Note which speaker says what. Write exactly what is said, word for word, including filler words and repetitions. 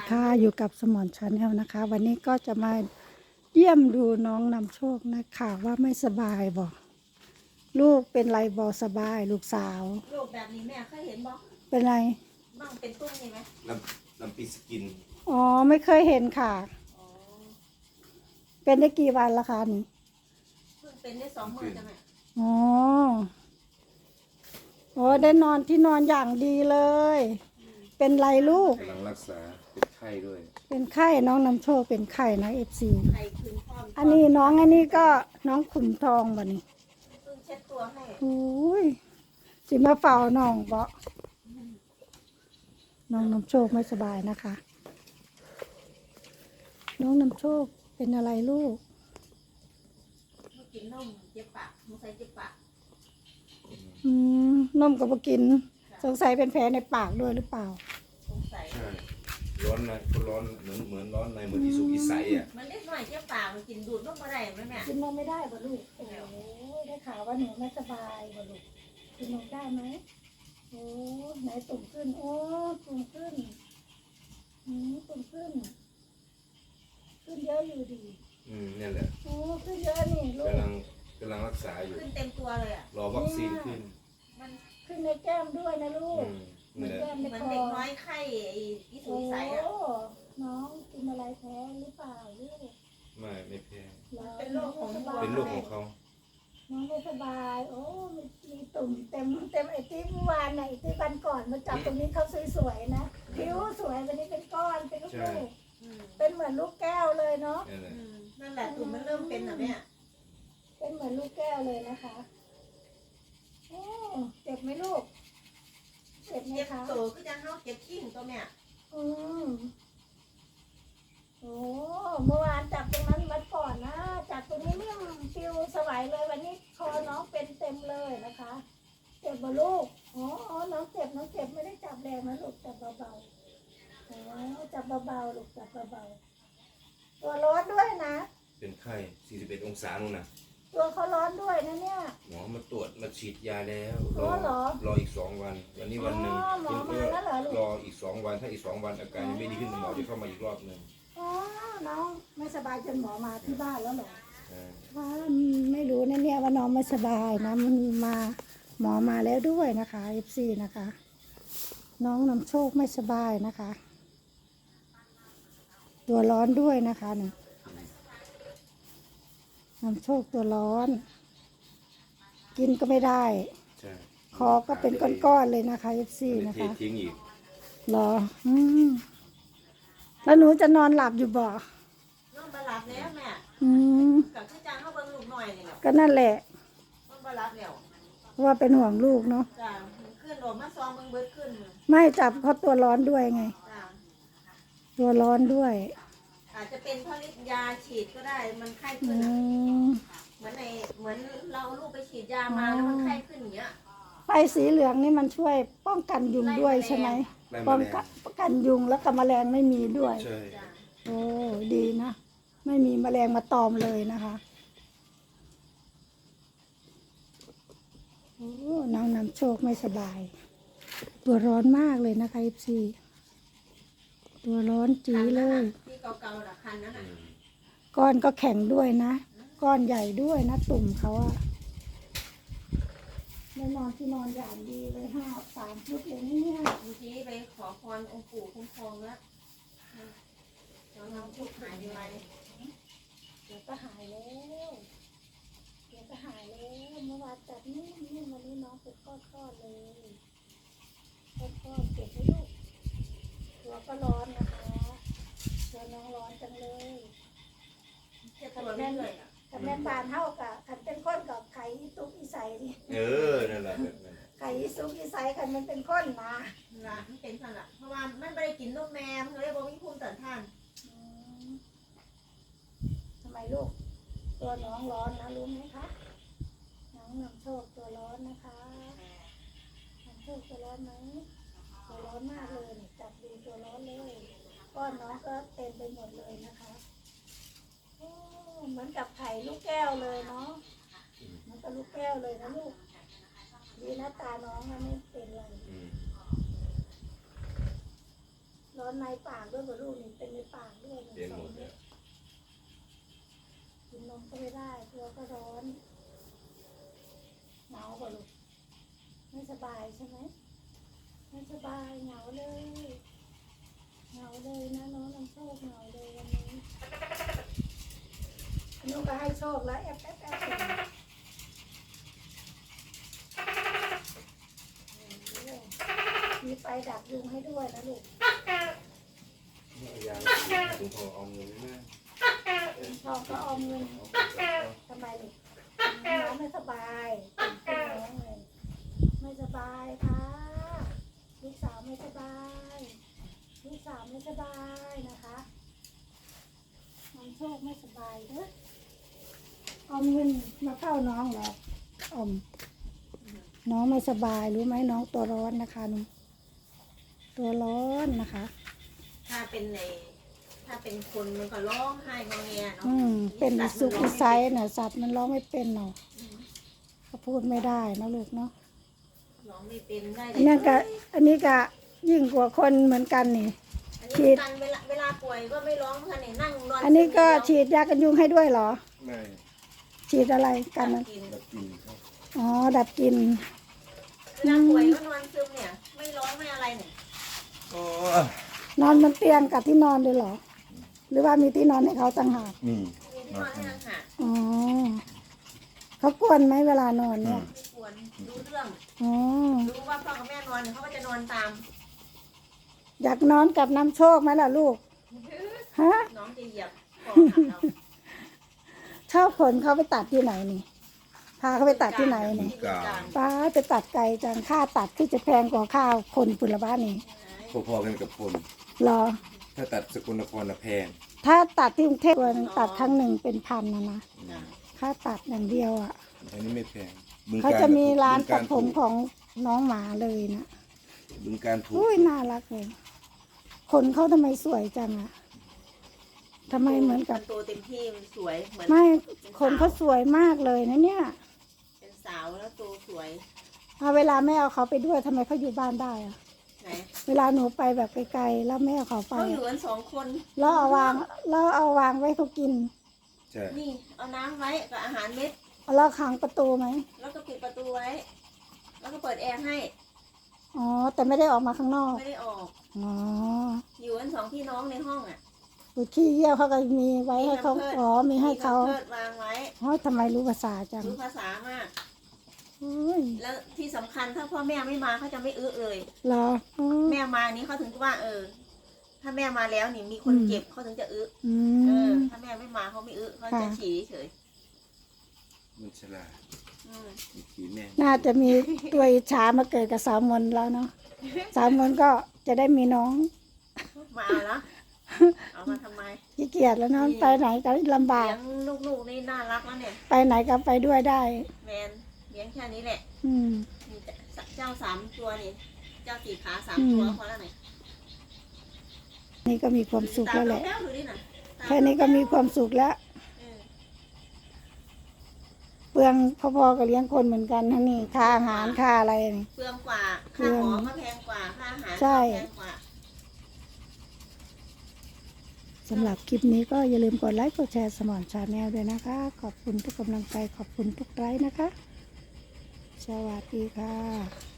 Speaker 1: ค่ะอยู่กับสมอนชาแนลนะคะ วันนี้ก็จะมาเยี่ยมดูน้องนำโชคนะคะว่าไม่สบายบอกลูกเป็นไรบอสบายลูกสาว
Speaker 2: ลูกแบบนี้แม่เคยเห็นบ่
Speaker 1: เป็นไร
Speaker 2: บ้างเป็นตุ้มนี่ไหม
Speaker 3: น้ำน้ำปีสกิน
Speaker 1: อ๋อไม่เคยเห็นค่ะ
Speaker 2: อ๋อ
Speaker 1: เป็นได้กี่วันละคะนี่
Speaker 2: เพิ่งเป็นได้สองมื้อจ้ะแม่
Speaker 1: อ๋อโอ้ได้นอนที่นอนอย่างดีเลย เป็นไรลูก
Speaker 3: กำลังรักษาเป็นไข้ด้วย
Speaker 1: เป็นไข้น้องนำโชคเป็นไข้นะเอฟซี
Speaker 2: ไข้คืนพร้อม
Speaker 1: อันนี้น้องอันนี้ก็น้องขุมทองบ่นี่
Speaker 2: เพิ่งเช็ดตัวให้
Speaker 1: โอ้ยสิมาเฝ้าน้องบ่น้องนำโชคไม่สบายนะคะ น้องนำโชคเป็นอะไรลูก
Speaker 2: เมื่อกินนมเจ็บปากเมื่อใส่เจ็บปาก
Speaker 1: อืมนมก็บ่กินสงสัยเป็นแผลในปากด้วยหรือเปล่า
Speaker 2: สงสัย
Speaker 3: ใช่ร้อนนะก็ร้อนเหมือนเหมือนร้อนในเหมือนที่สุกอีใสอ่ะ
Speaker 2: มันเล็กหน่อยเจ็บปากมันกินดูดนมมาได้ไหมแม่
Speaker 1: กินนมไม่ได้บ่ลูกโอ้ยได้ข่าวว่าหนูไม่สบายบ่ลูกกินนมได้ไหมโอ้ไหนตุ่มขึ้นโอ้ตุ่มขึ้นอืมตุ่มขึ้นขึ้นเยอะอยู่ดี
Speaker 3: อืมนี่แหละ
Speaker 1: โอ้ขึ้นเยอะนี่ลูก
Speaker 3: กำลังกำลังรักษาอยู่
Speaker 2: ขึ้นเต็มตัวเลยอ่ะ
Speaker 3: รอวัคซีนขึ้น
Speaker 2: มัน
Speaker 1: ขึ้นในแก้มด้วยนะลูก
Speaker 3: เหมือน
Speaker 1: แก้มใน
Speaker 2: มัน
Speaker 1: คอ
Speaker 2: เด็กน้อยไข้ไอ้ที่สูงใสอ่ะ
Speaker 1: น้องกินอะไรแพ้หรือเปล่าลูก
Speaker 3: ไม่ไม่แพ้
Speaker 2: เป็นโรคของ
Speaker 3: เป็นโรคของเขา
Speaker 1: น้องไม่สบายโอ้มีมีตุ่มเต็มเต็มไอ้ที่เมื่อวานไหนที่วันก่อนมาจับตรงนี้เขาสวยๆนะผิวสวยวันนี้เป็นก้อนเป็นลูกลูกเป็นเหมือนลูกแก้วเลยเนาะ
Speaker 2: นั่นแหละตุ่มมันเริ่มเป็นอ่ะแม่
Speaker 1: เป็นเหมือนลูกแก้วเลยนะคะโอ้เจ็บไหมลูกเจ็บไหม
Speaker 2: เจ็บ
Speaker 1: คะ
Speaker 2: โตก็จะเข้าเจ็บขี้ของตัวแม่
Speaker 1: อืมโอ้เมื่อวานจับตรงนั้นมาก่อนนะจับตรงนี้เนี่ยฟิวสวยเลยวันนี้คอน้องเป็นเต็มเลยนะคะเจ็บบ่ลูกอ๋ออ๋อน้องเจ็บน้องเจ็บไม่ได้จับแรงนะลูกจับเบาๆอ๋อจับเบาๆลูกจับเบาๆตัวร้อนด้วยนะ
Speaker 3: เป็นไข้สี่สิบเอ็ดองศานู่นนะ
Speaker 1: ตัวเขาร้อนด้วยนะเนี่ย
Speaker 3: หมอมาตรวจมาฉีดยาแล้ว
Speaker 1: รอ
Speaker 3: รออีกสองวันวันนี้วันหนึ่ง
Speaker 1: คุณก็
Speaker 3: รออีกสองวันถ้าอีกสองวันอาการยังไม่ดีขึ้นหมอจะเข้ามาอีกรอบหนึ่ง
Speaker 1: อ๋อน้องไม่สบายจนหมอมาที่บ้านแล้วเหรอ
Speaker 3: ว่า
Speaker 1: ไม่รู้นะเนี่ยว่าน้องไม่สบายนะมันมาหมอมาแล้วด้วยนะคะเอฟซีนะคะ น้องนำโชคไม่สบายนะคะ ตัวร้อนด้วยนะคะเนี่ยนำโชคตัวร้อน กินก็ไม่ได้คอก็เป็นก้อนๆเลยนะคะเอฟซีนะคะ
Speaker 3: ทิ้งอีก
Speaker 1: หรออืมแล้วหนูจะนอนหลับอยู่บ่
Speaker 2: นอนบ่หลับแล้วแม่
Speaker 1: อืม
Speaker 2: กับที่จางเข้าเบิ่งลูกหน่อยนี่แหละ
Speaker 1: ก็นั่นแหละ
Speaker 2: นอนบ่หลับแล้ว
Speaker 1: เพราะว่าเป็นห่วงลูกเนาะ
Speaker 2: จ้าขึ้นโดดมาซองเบิ่งเบิดขึ้น
Speaker 1: ไม่จับเขาตัวร้อนด้วยไง
Speaker 2: จ้า
Speaker 1: ตัวร้อนด้วย
Speaker 2: อาจจะเป็นเพราะฤทธิ์ยาฉีดก็ได้มันไข้ขึ้นเหมือนในเหมือนเราลูกไปฉีดยามาแล้วมันไข้ขึ้นอย่างเงี้ย
Speaker 1: ไฟสีเหลืองนี่มันช่วยป้องกันยุงด้วยใช่ไหมป้องกันป้องกันยุงแล้วก็แมลงไม่มีด้วยโอ้ดีนะไม่มีแมลงมาตอมเลยนะคะโอ้น้องนำโชคไม่สบายตัวร้อนมากเลยนะคะเอฟซีตัวร้อนจีเลย
Speaker 2: ที่เก่าๆละคันนั้น
Speaker 1: ก้อนก็แข็งด้วยนะก้อนใหญ่ด้วยนะตุ่มเขาอะได้นอนที่นอนอย่างดีเลยห้าสามชุดเลยนี่เนี่ย
Speaker 2: บางทีไปขอพรองค์ปู่คุ้มครองแล้วเราทำทุกหายไป
Speaker 1: เดี๋ยวก็หายแล้วเดี๋ยวก็หายแล้วเมื่อวานจัดนี่นี่วันนี้น้องเป็นก้อนๆเลยก้อนๆเก็บไว้ลูกตัวก็ร้อนนะคะตัวน้องร้อนจังเลย
Speaker 2: เจ็บตัวไม่เลย
Speaker 1: กับแม่ปานเท่ากับขันเป็นก้นกับไข่ซุกอีใสนี่
Speaker 3: เออนั่นแหละ
Speaker 1: ไข่ซุกอีใสขันมันเป็นก้นมา
Speaker 2: ละมันเป็นสันละเพราะว่ามันไม่ได้กินนมแม่มันเลยบอกมีภูมิต้านทาน
Speaker 1: ทำไมลูกตัวน้องร้อนนะรู้ไหมคะน้องนำโชคตัวร้อนนะคะนำโชคตัวร้อนไหมตัวร้อนมากเลยจับดูตัวร้อนเลยก้อนน้องก็เต็มไปหมดเลยนะคะเหมือนกับไข่ลูกแก้วเลยเนาะเหมือนกับลูกแก้วเลยนะลูกดีนะตาน้องไม่เป็นไรร้อนในปากด้วยเหรอลูกนี่เป็นในปากด้วยหนึ่ง
Speaker 3: เป็น
Speaker 1: ส
Speaker 3: ห
Speaker 1: อ
Speaker 3: ม
Speaker 1: ง
Speaker 3: ด
Speaker 1: เม็
Speaker 3: เนี่
Speaker 1: ด
Speaker 3: ย
Speaker 1: กินนมก็ไม่ได้ตัวก็ร้อนหนาวกว่าลูกไม่สบายใช่ไหมไม่สบายเหงาเลยเหงาเลยนะน้องน้ำโชคเหงาเลยวันนี้น้องก็ให้โชคแล้วแอบแอบแอบมีไฟดับยุงให้ด้วยนะลูก
Speaker 3: ยาถึงพอเอาเงินไม่ได้
Speaker 1: ชอบก็ออมเงินทำไมลูกน้องไม่สบายเป็นน้องเลยไม่สบายค่ะลูกสาวไม่สบายลูกสาวไม่สบายนะคะน้องโชคไม่สบายเด้อออมเงินมาเข้าน้องเหรอออมน้องไม่สบายรู้ไหมน้องตัวร้อนนะคะน้องตัวร้อนนะคะ
Speaker 2: ถ้าเป็นในถ้าเป็นคนมันก็ร้องไห้งอแงเนาะ
Speaker 1: อืมเป็น
Speaker 2: สัตว์
Speaker 1: สุ
Speaker 2: มั
Speaker 1: ก
Speaker 2: ร้อง
Speaker 1: ไซ
Speaker 2: ไม่
Speaker 1: น่ะสัตว์มันร้องไม่เป็นเนาะเขาพูดไม่ได้นะลูกเนาะ
Speaker 2: ร้องไม่เป็นได้
Speaker 1: อันนี้ก็อันนี้ก็ยิ่งกว่าคนเหมือนกันนี่
Speaker 2: อันนี้กันเวลาเวลาป่วยก็ไม่ร้องค่ะเนี่ยนั่งนอน
Speaker 1: อันนี้ก็
Speaker 2: ซึม
Speaker 1: ฉีดยากันยุงให้ด้วยเหรอ
Speaker 3: ไม่
Speaker 1: ฉีดอะไรกัน
Speaker 2: เดียว
Speaker 1: นะ
Speaker 2: กิน
Speaker 3: แบบกินครับ
Speaker 1: อ๋อดับกลิน
Speaker 2: เวลาป่วยก็นอนซึมเนี่ย ไม่ร้องไม่อะไรเนี่ย
Speaker 3: โอ้
Speaker 1: นอนบนเตียงกับที่นอนด้วยเหรอ หรือว่ามีที่นอนให้เขาต่างหาก
Speaker 3: นี่
Speaker 2: มีที่นอนให้นางหา
Speaker 1: อ๋อเขากวนไหมเวลานอนเนี่ย
Speaker 2: ไม่ควรรู้เรื่อง
Speaker 1: อ๋อ
Speaker 2: รู้ว่าพ่อกับแม่นอนเขาก็จะนอนตาม
Speaker 1: อยากนอนกับน้ำโชคไหมล่ะลูกฮะ
Speaker 2: น้องจะเหยียบคอหักเรา
Speaker 1: ชอบขนเขาไปตัดที่ไหนนี่พาเขาไปตัดที่ไหนนี่
Speaker 2: ที่บึงกาฬ
Speaker 1: ป้าไปตัดไก่จังค่าตัดที่จะแพงกว่าข้าวคนปุระบ้านนี่
Speaker 3: พอๆกันกับคน
Speaker 1: เหรอ
Speaker 3: ถ้าตัดสกลนครน่ะแพง
Speaker 1: ถ้าตัดที่กรุงเทพวันตัดครั้งหนึ่งเป็นพันนะนะ
Speaker 2: จ้ะ
Speaker 1: ค่าตัดอย่างเดียวอ่ะ
Speaker 3: อันนี้ไม่แพงบึงกฬ
Speaker 1: เขาจะมีร้าน
Speaker 3: บึงก
Speaker 1: ตัดผม
Speaker 3: ถูก
Speaker 1: ของน้องหมาเลยนะ
Speaker 3: บึงการถูก
Speaker 1: อุ้ยน่ารักเลยคนเขาทำไมสวยจังอ่ะทำไมเหมือนกับ
Speaker 2: มันโตเต็มที่มันสวยเหมือน
Speaker 1: ไม่คนเขาสวยมากเลยนะเนี่ย
Speaker 2: เป็นสาวแล้วโตสวย
Speaker 1: เอาเวลาแม่เอาเขาไปด้วยทำไมเขาอยู่บ้านได้อะ
Speaker 2: ไหน
Speaker 1: เวลาหนูไปแบบไกลๆแล้วแม่เอาเขาไป
Speaker 2: เขาอยู่กันสองคน
Speaker 1: แล้วเอาวางแล้วเอาวางไว้เขากิน
Speaker 3: ใช่
Speaker 2: นี่เอาน้ำไว้กับอาหารเม็ด
Speaker 1: แล้วขังประตูไหม
Speaker 2: แล้วก็ปิดประตูไว้ แล้วก็เปิดแอร์ให้
Speaker 1: อ๋อแต่ไม่ได้ออกมาข้างนอก
Speaker 2: ไม่ได้ออก
Speaker 1: อ๋อ
Speaker 2: อยู่กันสองพี่น้องในห้องอ่ะ
Speaker 1: อุดขี้เยี่ยวเขาก็มีไว้ให้เขาอ๋อมีให้เขา
Speaker 2: มีแพมเพิร์สวางไว้
Speaker 1: อ๋อทำไมรู้ภาษาจัง
Speaker 2: รู้ภาษามาก
Speaker 1: โอ้ย
Speaker 2: แล้วที่สำคัญถ้าพ่อแม่ไม่มาเขาจะไม่อึเลย
Speaker 1: เหรออ๋อ
Speaker 2: แม่มานี้เขาถึงว่า เออ ถ้าแม่มาแล้วนี่มีคน
Speaker 1: อืม
Speaker 2: เจ็บเขาถึงจะอึ
Speaker 1: อื
Speaker 2: เออ
Speaker 1: ม
Speaker 2: ถ้าแม่ไม่มาเขาไม่อึเขา
Speaker 1: ค่ะ
Speaker 2: จะฉี่เฉย
Speaker 3: มันฉลาด
Speaker 2: อืม
Speaker 3: มีขีแม่
Speaker 1: น่าจะมีตัวอิจฉามาเกิดกับสาวมนต์แล้วเนาะสาวมนต์ก็จะได้มีน้อง
Speaker 2: มาเอาละเอามาทำไม
Speaker 1: ขี้เกียจแล้วเนาะไปไหนก็ลำบา
Speaker 2: เลี้
Speaker 1: ก
Speaker 2: ยงลูกๆนี่น่ารักแล้วเนี่ย
Speaker 1: ไปไหนก็ไปด้วยได้
Speaker 2: แมนเลี้ยงแค่นี้แหละ
Speaker 1: อืม
Speaker 2: มีแต่เจ้าสามตัวนี่ เจ้าสี่ขาสาม
Speaker 1: อืม
Speaker 2: ตัวพอแล้วไหน
Speaker 1: นี่ก็มีความสุขแล้วแหละ
Speaker 2: ตาดูดิน่ะตา
Speaker 1: แค่นี้ก็มีความสุขแล้ว
Speaker 2: เออ
Speaker 1: เปลืองพอๆกับเลี้ยงคนเหมือนกันนะนี่ค่าอาหารค่าอะไรนี่
Speaker 2: เปลืองกว่า
Speaker 1: เปลื
Speaker 2: ค่า
Speaker 1: อง
Speaker 2: หมอก็แพงกว่า ค่าอาหาร
Speaker 1: ใช่
Speaker 2: ก็แพงกว่า
Speaker 1: สำหรับคลิปนี้ก็อย่าลืมกดไลค์กดแชร์สมอนชาแนลด้วยนะคะ ขอบคุณทุกกำลังใจขอบคุณทุกไลค์นะคะ สวัสดีค่ะ